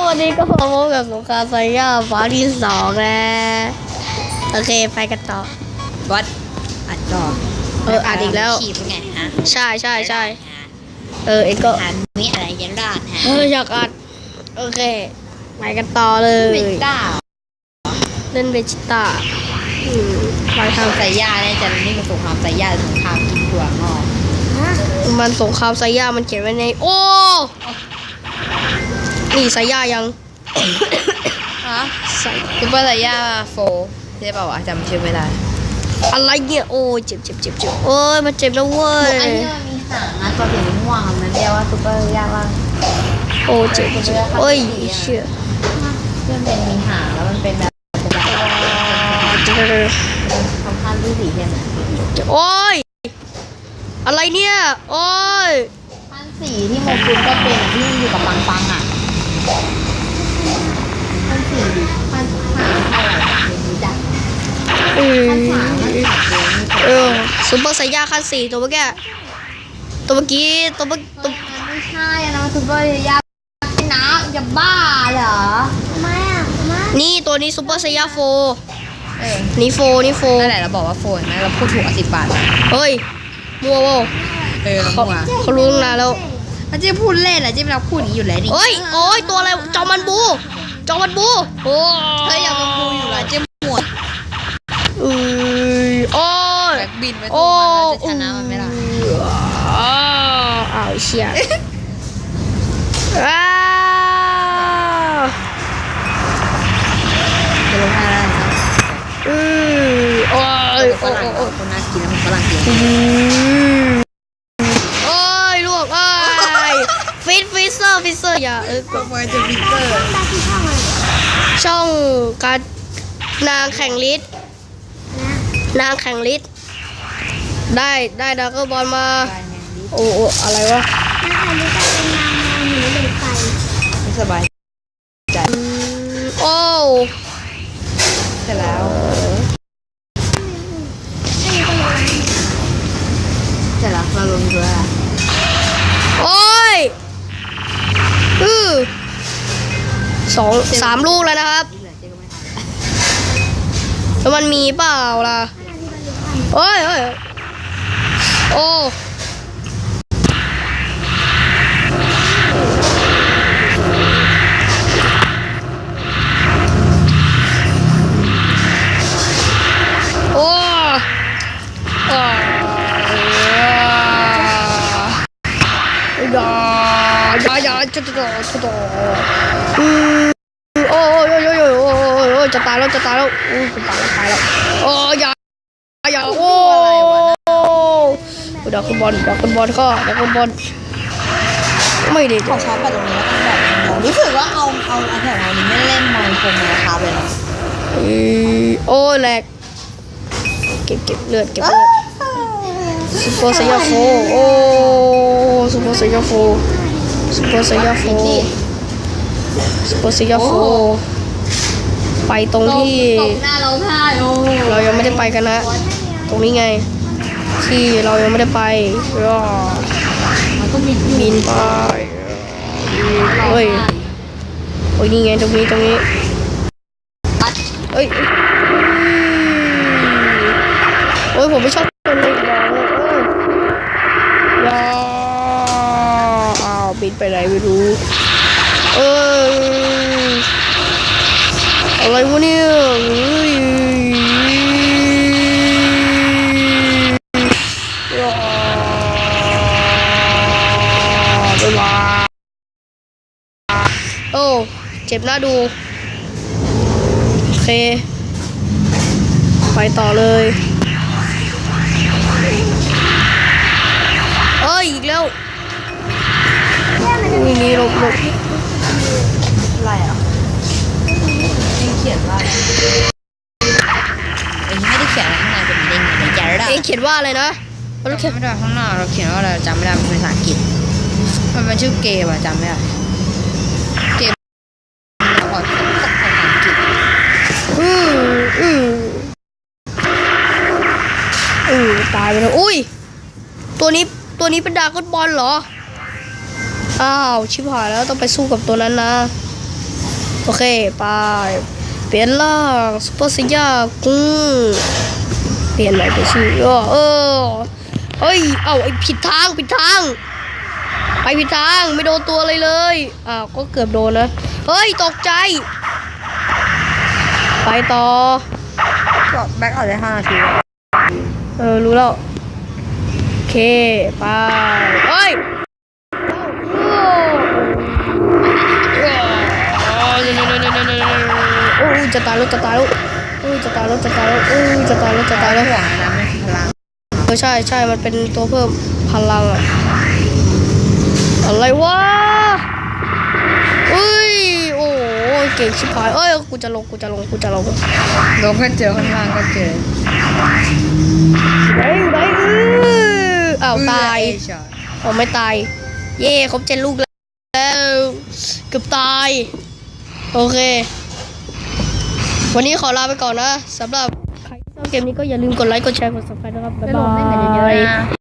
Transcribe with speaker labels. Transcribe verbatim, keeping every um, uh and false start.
Speaker 1: วันนี้ก็พบกับสงครามไซย่าฟ้าที่สองแล้วโอเคไปกันต่อ
Speaker 2: วัดอัดต่อ
Speaker 1: เอออ่านอีกแล้ว
Speaker 2: ขีบไงฮะ
Speaker 1: ใช่ใช่ใช่เออเอ็งก็
Speaker 2: หันมีอะไรยันราดฮะ
Speaker 1: เอออยากอัดโอเคไปกันต่อเลย
Speaker 2: เป็นต้า
Speaker 1: เล่นเวจิต้าอืมไปทาง
Speaker 2: ไซย่าเนี่ยจะนี่มันสงครามไซย่าสงครามกินถั่วงอก
Speaker 1: มันสงครามไซย่ามันเขียนไว้ในโอ้นี่ไซย่ายัง
Speaker 2: ฮะ
Speaker 1: ใส่
Speaker 2: ซูเปอร์ไซย่าโฟใช่เปล่าวะจำชื่อไม่ได้
Speaker 1: อะไรเนี่ยโอ้ยเจ็บเจ็บเจ็บเจ็บโอ้ยมันเจ็บแล้วเว้ย
Speaker 2: อันนี้มันมีหางนะตัวสีม่วงมันเรียกว่าซูเปอร์ไซย่าว่า
Speaker 1: โอ้เจ็บเจ็บโอ้ยเชื่อ
Speaker 2: เพื่อนเป็นมีหางแล้วมันเป็นแบบเป็นแบบคำพันธุ์ที่สีเข้มนะ
Speaker 1: โอ้ยอะไรเนี่ยโอ้ย
Speaker 2: พันสีที่โมกุลก็เป็นที่มันอยู่กับปังปังอ่ะพันสีดิพันหางเท่าไหร่ไม่รู้จัก
Speaker 1: เออ
Speaker 2: พันหางมันขาดเลย
Speaker 1: เออซูเปอร์ไซย่าขั้นสี่ตัวเมื่อกี้ตัวเมื่อกี้ตัวเมื่อตัว
Speaker 2: มันไม่ใช่นะมันซูเปอร์ไซย่าเป็นน้ำจะบ้าเหรอทำไมอ่ะทำไม
Speaker 1: นี่ตัวนี้ซูเปอร์ไซย่าโฟ
Speaker 2: เออ
Speaker 1: นี่โฟนี่โฟ
Speaker 2: นั่นแหละเราบอกว่าโฟนนะเราพูดถูกอ่ะสิบบาท
Speaker 1: เฮ้ยมัวโว
Speaker 2: เออ
Speaker 1: เขาเขารู้ตั้งนานแล้ว
Speaker 2: แล้วเจ๊พูดเล่นอ่ะเจ๊ไม่รับพูดอย่างนี้อยู่แล้วนี่
Speaker 1: เฮ้ยโอ้ยตัวอะไรจอมันบูจอมันบูโอ้
Speaker 2: เฮ้ยอย่ามาพูดอยู่ละเจ๊หมวด
Speaker 1: เอ้ยโอ้ย
Speaker 2: แบกบินไป
Speaker 1: โอ้
Speaker 2: ตัวมันเราจะชนะมันไม่ได้
Speaker 1: อ้าวอ้าวเชี่ยอ้าว
Speaker 2: จะลงมาแล้วนะ
Speaker 1: อือโอ้ย
Speaker 2: ฝ
Speaker 1: โอ้
Speaker 2: รั่ง
Speaker 1: โอ้
Speaker 2: คนน่ากินแล้วมันฝรั่งกิน
Speaker 1: อือโอ้ยลวกโอ้ยฟิตฟิเซอร์ฟิเซอร์อย่าเออ
Speaker 2: ก็มาจะฟิกเกอร์
Speaker 1: ช่องการนางแข่งลิศนางแข่งลิศได้ได้ดักเกอร์บอลมาโอ้โอ้อะไรวะ
Speaker 2: ไม่สบายใจ
Speaker 1: อืมโอ้
Speaker 2: เสร็จแล้วเสร็จแล้วเราลงตัวแล้ว
Speaker 1: โอ้ยอือสองสามลูกแล้วนะครับ
Speaker 2: ที่เหลือเจ๊ก็ไม่ทำ
Speaker 1: แล้วมันมีเปล่าล่ะโอ้ยโอ้ยโอ้โอ้อ่าอย่าอย่าอย่าจะจะจะจะอืมโอ้ยโอ้ยโอ้ยโอ้ยโอ้ยโอ้ยจะตายแล้วจะตายแล้วอู้จะตายแล้วตายแล้วโอ้ยอย่าอย่าโอ้ดักคุณบอลดักคุณบอลก็ดักคุณบอลไม่ได้
Speaker 2: ขอชาร์จแบตตรงนี้แล้วกันแบบรู้สึกว่าเอาเอาอันแถวนี้ไม่เล่นมอยคมเลยนะคะเลยนะ
Speaker 1: โอ้แหลกเก็บเก็บเลือดเก็บเลือดซูเปอร์ไซยาโฟโอ้ซูเปอร์ไซยาโฟซูเปอร์ไซยาโฟซูเปอร์ไซยาโฟไปตรงที่
Speaker 2: ตบหน้าเราพ่ายโอ้
Speaker 1: เรายังไม่ได้ไปกันนะ ตรงนี้ไง ที่เรายังไม่ได้ไปรอ
Speaker 2: มันก็มี
Speaker 1: บินไปเฮ้ยโอ้ยนี่ไงตรงนี้ตรงนี้เอ้ยโอ้ยผมไม่ชอบคนเลยอย่าเลยอย่าอ้าวบินไปไหนไม่รู้เอ้ยอะไรวะเนี่ยเฮ้ยโอ้เจ็บหน้าดูโอเคไปต่อเลยเอ้ยอีกแล้วอุ้ยนี่หลบหลบ
Speaker 2: อะไรอ่ะไม่เขียนว่าเอ็งไม่ได้เขียนอะไรข้างในเป็นเด้งในใจเรา
Speaker 1: เอ๊ะเขียนว่าอะไรนะ
Speaker 2: เราเขียนไม่ได้ข้างหน้าเราเขียนว่าอะไรจำไม่ได้เป็นภาษาอังกฤษมันเป็นชื่อเกมอะจำไม่ได้เกมเราก่อนภาษาอังกฤษ
Speaker 1: อืมอืมอืมตายไปแล้วอุ้ยตัวนี้ตัวนี้เป็นดราก้อนบอลเหรออ้าวชิบหายแล้วต้องไปสู้กับตัวนั้นนะโอเคไปเปลี่ยนล่างซุปเปอร์ไซย่ากุ้งเปลี่ยนใหม่เป็นชื่อเออเออเฮ้ยเอ้าไอผิดทางผิดทางไปผิดทางไม่โดนตัวอะไรเลยอ้าวก็เกือบโดนนะเฮ้ยตกใจไปต่อ
Speaker 2: ก็แบ็คออกได้ห้านาที
Speaker 1: เออรู้แล้วโอเคไปเฮ้ยโอ้ยจะตายแล้วจะตายแล้วโอ้ยจะตายแล้วจะตายแล้วโอ้ยจะตายแล้วจะตายแล้ว
Speaker 2: ห่วงนะไม่คือพลัง
Speaker 1: เออใช่ใช่มันเป็นตัวเพิ่มพลังอะอะไรวะเอ้ยโอ้ยเก่งชิบหายเอ้ยกูจะลงกูจะลงกูจะลง
Speaker 2: ลงก็เจอข้างล่างก็เจอ
Speaker 1: ไหนไหนเอออ้าวตาย
Speaker 2: เอช็อต
Speaker 1: ผมไม่ตาย เย่ครบเจ็ดลูกแล้วเกือบตาย โอเค วันนี้ขอลาไปก่อนนะสำหรับใครที่ชอบเกมนี้ก็อย่าลืมกดไลค์กดแชร์กด ซับสไครบ์ นะครับ บ๊าย
Speaker 2: ล
Speaker 1: บาง
Speaker 2: ได้แต่เยอะ
Speaker 1: ย
Speaker 2: ๆนะ